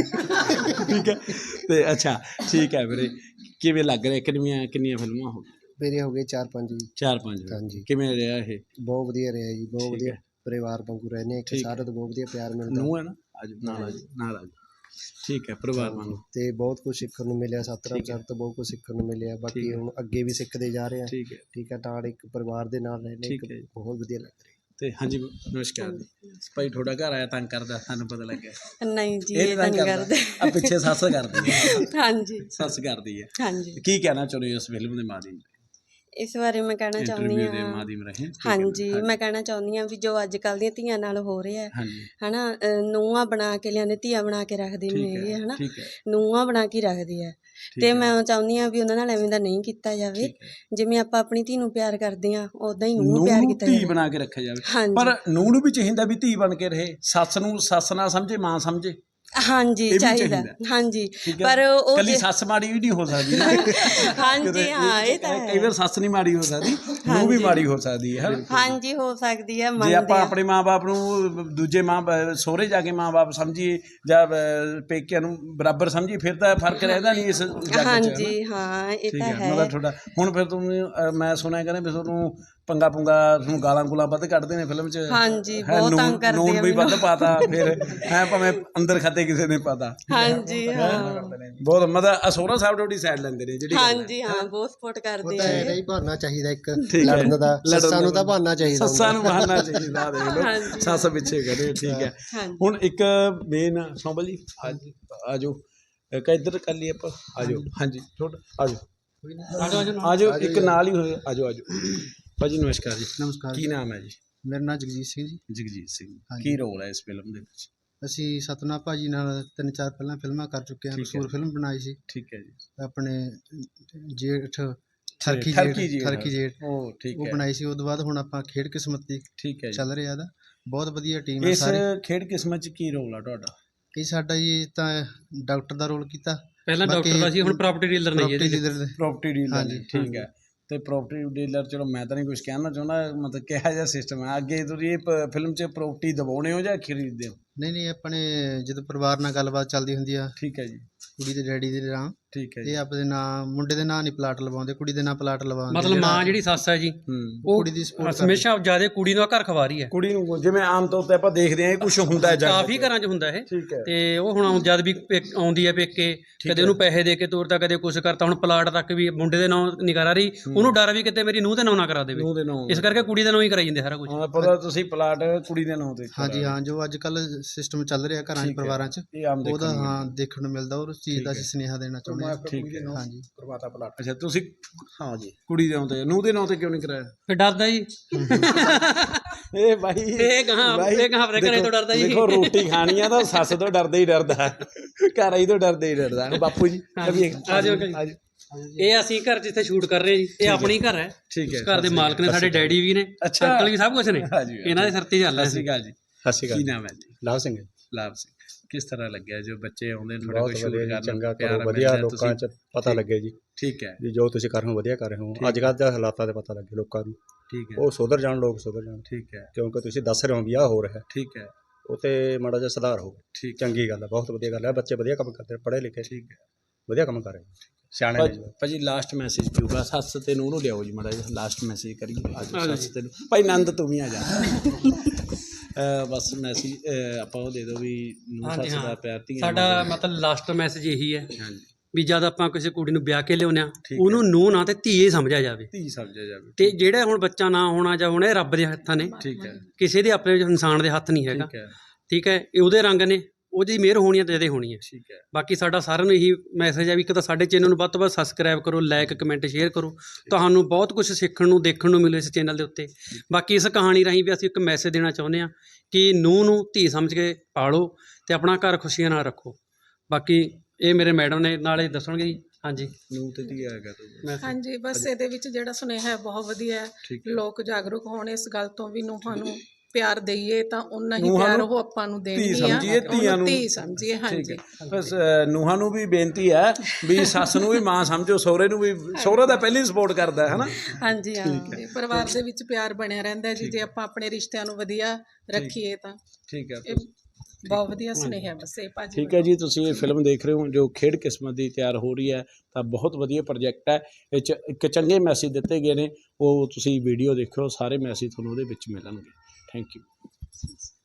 [SPEAKER 1] ਠੀਕ ਹੈ, ਤੇ ਅੱਛਾ ਠੀਕ ਹੈ ਵੀਰੇ, ਕਿਵੇਂ ਲੱਗ ਰਿਹਾ? ਕਿੰਨੀਆਂ ਫਿਲਮਾਂ ਹੋ ਗਈਆਂ?
[SPEAKER 4] ਮੇਰੇ ਹੋ ਗਏ 4-5 ਜੀ।
[SPEAKER 1] 4-5।
[SPEAKER 4] ਹਾਂਜੀ।
[SPEAKER 1] ਕਿਵੇਂ ਰਿਹਾ ਇਹ?
[SPEAKER 4] ਬਹੁਤ ਵਧੀਆ ਰਿਹਾ ਜੀ, ਬਹੁਤ
[SPEAKER 1] ਠੀਕ
[SPEAKER 4] ਵਧੀਆ।
[SPEAKER 1] ਹੈ।
[SPEAKER 4] ਪਰਿਵਾਰ ਵਾਂਗੂ ਰਹਿੰਦੇ ਇੱਕ
[SPEAKER 1] ਠੀਕ
[SPEAKER 4] ਸਾਰੇ ਤੋਂ ਬਹੁਤ ਵਧੀਆ ਪਿਆਰ ਮਿਲਦਾ।
[SPEAKER 1] ਨੂੰਹ ਹੈ ਨਾ? ਅੱਜ ਨਾਲ ਆਜੋ। ਠੀਕ ਹੈ, ਪਰਿਵਾਰ ਵਾਂਗੂ।
[SPEAKER 4] ਤੇ ਬਹੁਤ ਕੁਝ ਸਿੱਖਣ ਨੂੰ ਮਿਲਿਆ। ਸਤਨਾਮ
[SPEAKER 1] ਠੀਕ ਹੈ।
[SPEAKER 4] ਸਰ ਤੋਂ ਬਹੁਤ ਕੁਝ ਸਿੱਖਣ ਨੂੰ ਮਿਲਿਆ।
[SPEAKER 1] ਠੀਕ
[SPEAKER 4] ਬਾਕੀ
[SPEAKER 1] ਹੈ।
[SPEAKER 4] ਹੁਣ ਅੱਗੇ ਵੀ ਸਿੱਖਦੇ ਜਾ ਰਹੇ ਹਾਂ।
[SPEAKER 1] ਠੀਕ ਹੈ,
[SPEAKER 4] ਠੀਕ ਹੈ, ਨਾਲ ਇੱਕ ਪਰਿਵਾਰ ਦੇ ਨਾਲ ਰਹਿੰਦੇ
[SPEAKER 1] ਠੀਕ ਹੈ ਜੀ।
[SPEAKER 4] ਬਹੁਤ ਵਧੀਆ ਲੱਗ ਰਿਹਾ।
[SPEAKER 1] ਤੇ ਹਾਂਜੀ ਨਮਸਕਾਰ ਜੀ। ਭਾਈ ਤੁਹਾਡਾ ਘਰ ਆਇਆ ਤੰਗ ਕਰਦਾ, ਸਾਨੂੰ ਪਤਾ ਲੱਗਿਆ।
[SPEAKER 7] ਨਹੀਂ ਜੀ, ਇਹ ਤਾਂ ਨਹੀਂ ਕਰਦੇ।
[SPEAKER 1] ਆ ਪਿੱਛੇ ਸੱਸ ਕਰਦੀ ਹੈ।
[SPEAKER 7] ਹਾਂਜੀ
[SPEAKER 1] ਸੱਸ ਕਰਦੀ ਹੈ।
[SPEAKER 7] ਹਾਂਜੀ,
[SPEAKER 1] ਕੀ ਕਹਿਣਾ ਚਾਹੁੰਦੇ ਹੋ ਇਸ ਫਿਲਮ ਦੇ ਮਾਧਿਅਮ
[SPEAKER 7] ਇਸ ਬਾਰੇ ਮੈਂ ਕਹਿਣਾ ਚਾਹੁੰਦੀ
[SPEAKER 1] ਇੰਟਰਵਿਊ ਦੇ
[SPEAKER 7] ਹਾਂ।
[SPEAKER 1] ਮਾਧਿਅਮ ਰਹੇ?
[SPEAKER 7] ਹਾਂਜੀ, ਮੈਂ ਕਹਿਣਾ ਚਾਹੁੰਦੀ ਹਾਂ ਵੀ ਜੋ ਅੱਜ ਕੱਲ੍ਹ ਦੀਆਂ ਧੀਆਂ ਨਾਲ ਹੋ ਰਿਹਾ
[SPEAKER 1] ਹਾਂਜੀ,
[SPEAKER 7] ਹਨਾ, ਨੂੰਹਾਂ ਬਣਾ ਕੇ ਲਿਆਉਂਦੇ, ਧੀਆਂ ਬਣਾ ਕੇ ਰੱਖਦੇ
[SPEAKER 1] ਠੀਕ
[SPEAKER 7] ਨਹੀਂ ਹੈਗੇ
[SPEAKER 1] ਹੈ,
[SPEAKER 7] ਹਨਾ,
[SPEAKER 1] ਠੀਕ ਹੈ,
[SPEAKER 7] ਨੂੰਹਾਂ ਬਣਾ ਕੇ ਰੱਖਦੇ ਆ।
[SPEAKER 1] ਠੀਕ
[SPEAKER 7] ਤੇ
[SPEAKER 1] ਹੈ,
[SPEAKER 7] ਮੈਂ ਚਾਹੁੰਦੀ ਹਾਂ ਵੀ ਉਹਨਾਂ ਨਾਲ ਐਵੇਂ ਦਾ ਨਹੀਂ ਕੀਤਾ ਜਾਵੇ।
[SPEAKER 1] ਠੀਕ ਹੈ।
[SPEAKER 7] ਜਿਵੇਂ ਆਪਾਂ ਆਪਣੀ ਧੀ ਨੂੰ ਪਿਆਰ ਕਰਦੇ ਹਾਂ, ਉਦਾਂ ਹੀ ਨੂੰਹ ਨੂੰ
[SPEAKER 1] ਨੂੰਹ
[SPEAKER 7] ਪਿਆਰ
[SPEAKER 1] ਨੂੰ
[SPEAKER 7] ਕੀਤਾ
[SPEAKER 1] ਧੀ
[SPEAKER 7] ਜਾਵੇ।
[SPEAKER 1] ਬਣਾ ਕੇ ਰੱਖਿਆ ਜਾਵੇ।
[SPEAKER 7] ਹਾਂਜੀ।
[SPEAKER 1] ਪਰ ਨੂੰਹ ਨੂੰ ਵੀ ਚਾਹੀਦਾ ਵੀ ਧੀ ਬਣ ਕੇ ਰਹੇ, ਸੱਸ ਨੂੰ ਸੱਸ ਨਾ ਸਮਝੇ, ਮਾਂ ਸਮਝੇ।
[SPEAKER 7] ਹਾਂਜੀ,
[SPEAKER 1] ਇਹ ਵੀ
[SPEAKER 7] ਚਾਹੀਦਾ।
[SPEAKER 1] ਚਾਹੀਦਾ।
[SPEAKER 7] ਹਾਂਜੀ,
[SPEAKER 1] ਠੀਕ ਹੈ,
[SPEAKER 7] ਪਰ ਉਹ
[SPEAKER 1] ਕੱਲੀ ਸੱਸ ਮਾੜੀ ਵੀ ਨਹੀਂ ਹੋ ਸਕਦੀ ਨਾ।
[SPEAKER 7] ਹਾਂਜੀ,
[SPEAKER 1] ਕਿਤੇ
[SPEAKER 7] ਹਾਂ, ਇਹ ਤਾਂ
[SPEAKER 1] ਕਈ ਵਾਰ ਸੱਸ ਨਹੀਂ ਮਾੜੀ ਹੋ ਸਕਦੀ, ਨੂੰਹ ਵੀ ਮਾੜੀ ਹੋ ਸਕਦੀ ਹੈ।
[SPEAKER 7] ਹਾਂਜੀ, ਹੋ ਸਕਦੀ ਹੈ,
[SPEAKER 1] ਜੇ
[SPEAKER 7] ਮੰਨਦੇ
[SPEAKER 1] ਆਪਾਂ
[SPEAKER 7] ਆ।
[SPEAKER 1] ਆਪਣੇ ਮਾਂ-ਬਾਪ ਨੂੰ ਦੂਜੇ ਸਹੁਰੇ ਜਾ ਕੇ ਮਾਂ-ਬਾਪ ਸਮਝੀਏ ਜਾਂ ਪੇਕਿਆਂ ਨੂੰ ਬਰਾਬਰ ਸਮਝੀਏ, ਫਿਰ ਤਾਂ ਫਰਕ ਰਹਿੰਦਾ ਨਹੀਂ ਇਸ ਜੱਗ 'ਚ।
[SPEAKER 7] ਹਾਂਜੀ, ਹਾਂ, ਇਹ
[SPEAKER 1] ਠੀਕ
[SPEAKER 7] ਤਾਂ
[SPEAKER 1] ਹੈ,
[SPEAKER 7] ਹੈ।
[SPEAKER 1] ਮਤਲਬ ਤੁਹਾਡਾ ਹੁਣ ਫਿਰ ਤੁਹਾਨੂੰ ਮੈਂ ਸੁਣਿਆ ਕਹਿੰਦੇ ਵੀ ਤੁਹਾਨੂੰ ਪੰਗਾ ਤੁਹਾਨੂੰ ਗਾਲਾਂ ਵੱਧ ਕੱਢਦੇ ਨੇ ਫਿਲਮ 'ਚ।
[SPEAKER 7] ਹਾਂਜੀ,
[SPEAKER 1] ਹੈਂ,
[SPEAKER 7] ਬਹੁਤ ਤੰਗ ਕਰਦੇ
[SPEAKER 1] ਨੂਨ
[SPEAKER 7] ਆ
[SPEAKER 1] ਵੀ ਵੱਧ
[SPEAKER 7] ਮੈਨੂੰ।
[SPEAKER 1] ਪਾਤਾ, ਫਿਰ ਹੈ ਭਾਵੇਂ ਅੰਦਰ ਖਾਤੇ ਕਿਸੇ ਨੇ ਪਾਤਾ।
[SPEAKER 7] ਹਾਂਜੀ, ਹਾਂ,
[SPEAKER 1] ਬਹੁਤ ਮਤਲਬ ਸਹੁਰਾ ਸਾਹਿਬ ਤੁਹਾਡੀ ਸਾਈਡ ਲੈਂਦੇ ਨੇ ਜਿਹੜੀ ਗੱਲ ਹੈ।
[SPEAKER 7] ਹਾਂਜੀ, ਹਾਂ, ਬਹੁਤ ਸਪੋਰਟ
[SPEAKER 4] ਉਹ
[SPEAKER 7] ਕਰਦੇ
[SPEAKER 4] ਤਾਂ
[SPEAKER 7] ਆ।
[SPEAKER 4] ਇਹਦਾ ਹੀ ਬਹਾਨਾ ਚਾਹੀਦਾ ਇੱਕ
[SPEAKER 1] ਠੀਕ ਹੈ।
[SPEAKER 4] ਲੜਨ ਦਾ।
[SPEAKER 1] ਲੜਨ
[SPEAKER 4] ਸੱਸਾਂ ਨੂੰ
[SPEAKER 1] ਦਾ
[SPEAKER 4] ਤਾਂ ਬਹਾਨਾ ਚਾਹੀਦਾ ਹੁੰਦਾ।
[SPEAKER 1] ਸੱਸਾਂ ਨੂੰ ਬਹਾਨਾ ਚਾਹੀਦਾ, ਦੇਖ ਲਓ
[SPEAKER 7] ਹਾਂਜੀ।
[SPEAKER 1] ਸੱਸ ਪਿੱਛੇ ਕਰੇ। ਠੀਕ ਹੈ,
[SPEAKER 7] ਹਾਂਜੀ।
[SPEAKER 1] ਹੁਣ ਇੱਕ ਮੇਨ ਸੌਂਬਲ ਜੀ ਆਜੋ, ਇੱਕ ਇੱਧਰ ਕਰ ਲਈ ਆਪਾਂ। ਆਜੋ, ਹਾਂਜੀ ਛੋਟ ਆਜੋ, ਆਜੋ ਇੱਕ ਨਾਲ ਹੀ ਹੋਏ। ਆਜੋ ਭਾਜੀ ਨਮਸਕਾਰ ਜੀ।
[SPEAKER 4] ਨਮਸਕਾਰ।
[SPEAKER 1] ਕੀ ਨਾਮ ਹੈ ਜੀ?
[SPEAKER 4] ਮੇਰਾ ਨਾਮ ਜਗਜੀਤ ਸਿੰਘ ਜੀ।
[SPEAKER 1] ਜਗਜੀਤ ਸਿੰਘ।
[SPEAKER 4] ਹਾਂਜੀ।
[SPEAKER 1] ਕੀ ਰੋਲ ਹੈ ਇਸ ਫਿਲਮ ਦੇ ਵਿੱਚ?
[SPEAKER 4] ਅਸੀਂ ਸਤਨਾਮ ਭਾਜੀ ਨਾਲ 3-4 ਪਹਿਲਾਂ ਫਿਲਮਾਂ ਕਰ ਚੁੱਕੇ ਹਾਂ।
[SPEAKER 1] ਠੀਕ ਹੈ।
[SPEAKER 4] ਮਸ਼ਹੂਰ ਫਿਲਮ ਬਣਾਈ ਸੀ
[SPEAKER 1] ਠੀਕ ਹੈ ਜੀ।
[SPEAKER 4] ਆਪਣੇ ਜੇਠ
[SPEAKER 1] ਠਰਕੀ
[SPEAKER 4] ਠਰਕੀ ਜੇਠ
[SPEAKER 1] ਉਹ ਠੀਕ
[SPEAKER 4] ਉਹ
[SPEAKER 1] ਹੈ,
[SPEAKER 4] ਬਣਾਈ ਸੀ। ਉਹ ਤੋਂ ਬਾਅਦ ਹੁਣ ਆਪਾਂ ਖੇਡ ਕਿਸਮਤ ਦੀ
[SPEAKER 1] ਠੀਕ ਹੈ ਜੀ।
[SPEAKER 4] ਚੱਲ ਰਿਹਾ ਦਾ ਬਹੁਤ ਵਧੀਆ ਟੀਮ ਹੈ
[SPEAKER 1] ਇਸ
[SPEAKER 4] ਸਾਰੀ।
[SPEAKER 1] ਖੇਡ ਕਿਸਮਤ 'ਚ ਕੀ ਰੋਲ ਆ ਤੁਹਾਡਾ?
[SPEAKER 4] ਇਹ ਸਾਡਾ ਜੀ ਤਾਂ ਡਾਕਟਰ ਦਾ ਰੋਲ ਕੀਤਾ।
[SPEAKER 2] ਪਹਿਲਾਂ
[SPEAKER 4] ਬਾਕੀ
[SPEAKER 2] ਡਾਕਟਰ ਦਾ ਸੀ, ਹੁਣ ਪ੍ਰਾਪਰਟੀ ਡੀਲਰ ਨੇ ਜੀ
[SPEAKER 4] property
[SPEAKER 2] ਇਹਦੇ 'ਚ।
[SPEAKER 4] leader ਦੇ।
[SPEAKER 1] ਪ੍ਰਾਪਰਟੀ ਡੀਲਰ
[SPEAKER 4] ਹਾਂਜੀ,
[SPEAKER 1] ਠੀਕ ਹੈ। ਤੇ ਪ੍ਰਾਪਰਟੀ ਡੀਲਰ, ਚਲੋ ਮੈਂ ਤਾਂ ਨਹੀਂ ਕੁਝ ਕਹਿਣਾ ਚਾਹੁੰਦਾ, ਮਤਲਬ ਕਿਹੋ ਜਿਹਾ ਸਿਸਟਮ ਹੈ ਅੱਗੇ ਤੁਸੀਂ ਇਹ ਫਿਲਮ 'ਚ ਪ੍ਰਾਪਰਟੀ ਦਬਾਉਣੇ ਹੋ ਜਾਂ ਖਰੀਦਦੇ ਹੋ?
[SPEAKER 4] ਨਹੀਂ ਆਪਣੇ ਜਦੋਂ ਪਰਿਵਾਰ ਨਾਲ ਗੱਲਬਾਤ ਚੱਲਦੀ ਹੁੰਦੀ ਆ
[SPEAKER 1] ਠੀਕ ਹੈ ਜੀ।
[SPEAKER 4] ਕੁੜੀ ਦੇ ਡੈਡੀ ਦੇ ਨਾਂ।
[SPEAKER 1] ਠੀਕ ਹੈ
[SPEAKER 4] ਇਹ ਆਪਣੇ ਨਾਂ ਮੁੰਡੇ ਦੇ ਨਾਂ ਨਹੀਂ ਪਲਾਟ ਲਵਾਉਂਦੇ, ਕੁੜੀ ਦੇ ਨਾਂ ਪਲਾਟ ਲਵਾਉਂਦੇ।
[SPEAKER 2] ਮਤਲਬ ਮਾਂ ਜਿਹੜੀ ਸੱਸ ਹੈ ਜੀ ਉਹ
[SPEAKER 4] ਕੁੜੀ ਦੀ support
[SPEAKER 2] ਹਮੇਸ਼ਾ ਜ਼ਿਆਦਾ ਕੁੜੀ ਨੂੰ ਘਰ ਖਵਾ ਰਹੀ ਹੈ।
[SPEAKER 1] ਕੁੜੀ ਨੂੰ ਜਿਵੇਂ ਆਮ ਤੌਰ ਤੇ ਆਪਾਂ ਦੇਖਦੇ ਹਾਂ ਇਹ ਕੁਝ ਹੁੰਦਾ ਹੈ
[SPEAKER 2] ਕਾਫੀ ਘਰਾਂ 'ਚ ਹੁੰਦਾ ਇਹ।
[SPEAKER 1] ਠੀਕ ਹੈ।
[SPEAKER 2] ਤੇ ਉਹ ਹੁਣ ਜਦ ਵੀ ਆਉਂਦੀ ਹੈ ਪੇਕੇ, ਕਦੇ ਉਹਨੂੰ ਪੈਸੇ ਦੇ ਕੇ ਤੋਰਤਾ, ਕਦੇ ਕੁਛ ਕਰਤਾ। ਹੁਣ ਪਲਾਟ ਤੱਕ ਵੀ ਮੁੰਡੇ ਦੇ ਨਾਂ ਨਹੀਂ ਕਰਾ ਰਹੀ, ਉਹਨੂੰ ਡਰ ਵੀ ਕਿਤੇ ਮੇਰੀ ਨੂੰਹ ਦੇ ਨਾਂ ਨਾ ਕਰਾ ਦੇਵੇ,
[SPEAKER 1] ਨੂੰਹ ਦੇ ਨਾਂ
[SPEAKER 2] ਇਸ ਕਰਕੇ ਕੁੜੀ ਦੇ ਨਾਂ ਹੀ ਕਰਾਈ ਜਾਂਦੇ ਸਾਰਾ ਕੁਝ।
[SPEAKER 1] ਹਾਂ ਪਤਾ ਤੁਸੀਂ ਪਲਾਟ ਕੁੜੀ ਦੇ ਨਾਂ ਤੇ
[SPEAKER 4] ਹਾਂਜੀ ਹਾਂ, ਜੋ ਅੱਜ ਕੱਲ ਸਿਸਟਮ ਚੱਲ ਰਿਹਾ ਘਰਾਂ 'ਚ ਪਰਿਵਾਰਾਂ 'ਚ,
[SPEAKER 1] ਇਹ ਆਮ
[SPEAKER 4] ਉਹਦਾ
[SPEAKER 1] ਦੇਖਣ ਨੂੰ
[SPEAKER 4] ਹਾਂ ਦੇਖਣ ਨੂੰ ਮਿਲਦਾ। ਔਰ ਉਸ ਚੀਜ਼ ਦਾ ਅਸੀਂ ਸੁਨੇਹਾ ਦੇਣਾ ਚਾਹੁੰਦੇ ਹਾਂ।
[SPEAKER 1] ਠੀਕ ਹੈ।
[SPEAKER 4] ਹਾਂਜੀ
[SPEAKER 1] ਕਰਵਾਤਾ ਪਲਾਟ। ਅੱਛਾ ਤੁਸੀਂ ਹਾਂ ਜੀ ਕੁੜੀ ਦੇ ਨਾਂ ਤੇ, ਨੂੰਹ ਦੇ ਨਾਂ ਤੇ ਕਿਉਂ ਨਹੀਂ ਕਰਾਇਆ?
[SPEAKER 2] ਫਿਰ ਡਰਦਾ ਜੀ
[SPEAKER 1] ਇਹ ਬਾਈ
[SPEAKER 2] ਇਹ ਕਹਾਂ ਆਪਣੇ ਘਰੇ ਤੋਂ ਡਰਦਾ ਜੀ।
[SPEAKER 1] ਦੇਖੋ ਰੋਟੀ ਖਾਣੀ ਆ ਤਾਂ ਸੱਸ ਤੋਂ ਡਰਦਾ ਹੀ ਡਰਦਾ, ਘਰ ਆਈ ਤੋਂ ਡਰਦਾ ਹੀ ਡਰਦਾ। ਬਾਪੂ ਜੀ
[SPEAKER 2] ਆ ਜਾਓ ਇਹ ਅਸੀਂ ਘਰ ਜਿੱਥੇ ਸ਼ੂਟ ਕਰ ਰਹੇ ਜੀ, ਇਹ ਆਪਣੀ ਘਰ ਹੈ।
[SPEAKER 1] ਠੀਕ ਹੈ।
[SPEAKER 2] ਘਰ ਦੇ ਮਾਲਕ ਨੇ ਸਾਡੇ ਡੈਡੀ ਵੀ ਨੇ,
[SPEAKER 1] ਅੱਛਾ।
[SPEAKER 2] ਅੰਕਲ ਵੀ, ਸਭ ਕੁਝ ਨੇ। ਇਹਨਾਂ ਦੇ ਸਿਰ ਤੇ ਚੱਲ ਰਿਹਾ
[SPEAKER 1] ਸਤਿ ਸ਼੍ਰੀ ਅਕਾਲ ਜੀ।
[SPEAKER 8] ਸਤਿ ਸ਼੍ਰੀ
[SPEAKER 1] ਕੀ
[SPEAKER 8] ਅਕਾਲ।
[SPEAKER 1] ਨਾਮ ਹੈ ਜੀ?
[SPEAKER 8] ਲਾਭ ਸਿੰਘ।
[SPEAKER 1] ਲਾਭ ਸਿੰਘ। ਕਿਸ ਤਰ੍ਹਾਂ ਲੱਗਿਆ ਜੋ ਬੱਚੇ ਆਉਂਦੇ ਨੇ
[SPEAKER 8] ਬਹੁਤ ਵਧੀਆ ਜੀ, ਚੰਗਾ ਕਰੋ, ਵਧੀਆ ਲੋਕਾਂ 'ਚ ਪਤਾ ਲੱਗੇ ਜੀ।
[SPEAKER 1] ਠੀਕ ਹੈ
[SPEAKER 8] ਵੀ ਜੋ ਤੁਸੀਂ ਕਰ ਰਹੇ ਹੋ ਵਧੀਆ ਕਰ ਰਹੇ ਹੋ। ਅੱਜ ਕੱਲ੍ਹ ਦੇ ਹਾਲਾਤਾਂ ਦੇ ਪਤਾ ਲੱਗੇ ਲੋਕਾਂ ਨੂੰ,
[SPEAKER 1] ਠੀਕ ਹੈ
[SPEAKER 8] ਉਹ ਸੁਧਰ ਜਾਣ, ਲੋਕ ਸੁਧਰ ਜਾਣ।
[SPEAKER 1] ਠੀਕ ਹੈ
[SPEAKER 8] ਕਿਉਂਕਿ ਤੁਸੀਂ ਦੱਸ ਰਹੇ ਹੋ ਵੀ ਆਹ ਹੋ ਰਿਹਾ,
[SPEAKER 1] ਠੀਕ ਹੈ
[SPEAKER 8] ਉਹ ਤੇ ਮਾੜਾ ਜਿਹਾ ਸੁਧਾਰ ਹੋ।
[SPEAKER 1] ਠੀਕ
[SPEAKER 8] ਚੰਗੀ ਗੱਲ ਹੈ, ਬਹੁਤ ਵਧੀਆ ਗੱਲ ਹੈ। ਬੱਚੇ ਵਧੀਆ ਕੰਮ ਕਰਦੇ, ਪੜ੍ਹੇ ਲਿਖੇ,
[SPEAKER 1] ਠੀਕ ਹੈ
[SPEAKER 8] ਵਧੀਆ ਕੰਮ ਕਰ ਰਹੇ ਹੋ, ਸਿਆਣੇ ਨੇ ਜੀ।
[SPEAKER 1] ਭਾਜੀ ਲਾਸਟ ਮੈਸੇਜ ਪੀਊਗਾ, ਸੱਸ ਤੇ ਨੂੰਹ ਨੂੰ ਲਿਆਓ ਜੀ ਮਾੜਾ ਜਿਹਾ ਲਾਸਟ ਮੈਸੇਜ ਕਰੀਏ। ਅੱਜ ਸੱਸ ਤੇ ਨੂੰਹ, ਭਾਈ ਨੰਦ ਤੂੰ ਵੀ ਆ ਜਾ। ਬਸ ਮੈਸੇਜ ਆਪਾਂ ਉਹ ਦੇ ਦਿਓ ਵੀ ਨੂੰਹ ਸੱਸ ਦਾ ਪਿਆਰ ਧੀਆਂ
[SPEAKER 2] ਸਾਡਾ ਮਤਲਬ ਲਾਸਟ ਮੈਸੇਜ ਇਹੀ ਹੈ
[SPEAKER 1] ਹਾਂਜੀ
[SPEAKER 2] ਵੀ ਜਦ ਆਪਾਂ ਕਿਸੇ ਕੁੜੀ ਨੂੰ ਵਿਆਹ ਕੇ ਲਿਆਉਂਦੇ ਆ, ਉਹਨੂੰ ਨੂੰਹ ਨਾ ਤੇ ਧੀਏ ਸਮਝਿਆ ਜਾਵੇ।
[SPEAKER 1] ਧੀ ਸਮਝਿਆ ਜਾਵੇ।
[SPEAKER 2] ਤੇ ਜਿਹੜਾ ਹੁਣ ਬੱਚਾ ਨਾ ਹੋਣਾ ਜਾਂ ਹੋਣਾ, ਇਹ ਰੱਬ ਦੇ ਹੱਥਾਂ ਨੇ,
[SPEAKER 1] ਠੀਕ ਹੈ
[SPEAKER 2] ਕਿਸੇ ਦੇ ਆਪਣੇ ਇਨਸਾਨ ਦੇ ਹੱਥ ਨਹੀਂ ਹੈਗਾ।
[SPEAKER 1] ਠੀਕ ਹੈ
[SPEAKER 2] ਠੀਕ ਹੈ, ਇਹ ਉਹਦੇ ਰੰਗ ਨੇ, ਉਹਦੀ ਮਿਹਰ ਹੋਣੀ ਹੈ ਤੇ ਇਹਦੇ ਹੋਣੀ ਹੈ।
[SPEAKER 1] ਠੀਕ ਹੈ
[SPEAKER 2] ਬਾਕੀ ਸਾਡਾ ਸਾਰਿਆਂ ਨੂੰ ਇਹੀ ਮੈਸੇਜ ਹੈ ਵੀ ਇੱਕ ਤਾਂ ਸਾਡੇ ਚੈਨਲ ਨੂੰ ਵੱਧ ਤੋਂ ਵੱਧ ਸਬਸਕ੍ਰਾਈਬ ਕਰੋ, ਲਾਈਕ ਕਮੈਂਟ ਸ਼ੇਅਰ ਕਰੋ। ਤੁਹਾਨੂੰ ਬਹੁਤ ਕੁਝ ਸਿੱਖਣ ਨੂੰ ਦੇਖਣ ਨੂੰ ਮਿਲੇ ਇਸ ਚੈਨਲ ਦੇ ਉੱਤੇ। ਬਾਕੀ ਇਸ ਕਹਾਣੀ ਰਾਹੀਂ ਵੀ ਅਸੀਂ ਇੱਕ ਮੈਸੇਜ ਦੇਣਾ ਚਾਹੁੰਦੇ ਹਾਂ ਕਿ ਨੂੰਹ ਨੂੰ ਧੀ ਸਮਝ ਕੇ ਪਾਲੋ ਤੇ ਆਪਣਾ ਘਰ ਖੁਸ਼ੀਆਂ ਨਾਲ ਰੱਖੋ। ਬਾਕੀ ਇਹ ਮੇਰੇ ਮੈਡਮ ਨੇ ਨਾਲੇ ਦੱਸਣਗੇ ਜੀ। ਹਾਂਜੀ
[SPEAKER 1] ਨੂੰਹ ਤੇ ਧੀ ਆਏਗਾ ਤੂੰ।
[SPEAKER 3] ਹਾਂਜੀ ਬਸ ਇਹਦੇ ਵਿੱਚ ਜਿਹੜਾ ਸੁਨੇਹਾ ਹੈ ਬਹੁਤ ਵਧੀਆ ਹੈ।
[SPEAKER 1] ਠੀਕ
[SPEAKER 3] ਲੋਕ ਜਾਗਰੂਕ ਹੋਣ ਇਸ ਗੱਲ ਤੋਂ ਵੀ ਨੂੰਹਾਂ ਨੂੰ ਪਿਆਰ ਦਈਏ ਤਾਂ ਉਨਾ ਹੀ
[SPEAKER 1] ਨੂੰਹਾਂ
[SPEAKER 3] ਪਿਆਰ
[SPEAKER 1] ਨੂੰ
[SPEAKER 3] ਉਹ ਆਪਾਂ ਨੂੰ
[SPEAKER 1] ਧੀ
[SPEAKER 3] ਦੇਣਗੀਆਂ।
[SPEAKER 1] ਸਮਝੀਏ, ਧੀਆਂ ਨੂੰ
[SPEAKER 3] ਧੀ ਸਮਝੀਏ। ਹਾਂਜੀ
[SPEAKER 1] ਬਸ ਨੂੰਹਾਂ ਨੂੰ ਵੀ ਬੇਨਤੀ ਹੈ ਵੀ ਸੱਸ ਨੂੰ ਵੀ ਮਾਂ ਸਮਝੋ, ਸਹੁਰੇ ਨੂੰ ਵੀ। ਸਹੁਰਾ ਤਾਂ ਪਹਿਲਾਂ ਹੀ ਸਪੋਰਟ ਕਰਦਾ ਹੈ ਨਾ।
[SPEAKER 7] ਹਾਂਜੀ ਹਾਂ।
[SPEAKER 3] ਤੇ ਪਰਿਵਾਰ ਦੇ ਵਿੱਚ ਪਿਆਰ ਬਣਿਆ ਰਹਿੰਦਾ ਹੈ ਜੀ, ਜੇ ਆਪਾਂ ਆਪਣੇ ਰਿਸ਼ਤਿਆਂ ਨੂੰ ਵਧੀਆ ਰੱਖੀਏ ਤਾਂ।
[SPEAKER 1] ਠੀਕ ਹੈ
[SPEAKER 3] ਇਹ ਬਹੁਤ ਵਧੀਆ ਸੁਨੇਹਾ ਬਸ ਇਹ ਭਾਜੀ।
[SPEAKER 1] ਠੀਕ ਹੈ ਜੀ, ਤੁਸੀਂ ਇਹ ਫਿਲਮ ਦੇਖ ਰਹੇ ਹੋ ਜੋ ਖੇਡ ਕਿਸਮਤ ਦੀ ਤਿਆਰ ਹੋ ਰਹੀ ਹੈ, ਤਾਂ ਬਹੁਤ ਵਧੀਆ ਪ੍ਰੋਜੈਕਟ ਹੈ। ਇਹ 'ਚ ਇੱਕ ਚੰਗੇ ਮੈਸੇਜ ਦਿੱਤੇ ਗਏ ਨੇ, ਉਹ ਤੁਸੀਂ ਵੀਡੀਓ ਦੇਖਿਓ, ਸਾਰੇ ਮੈਸੇਜ ਤੁਹਾਨੂੰ ਉਹਦੇ ਵਿੱਚ ਮਿਲਣਗੇ। Thank you.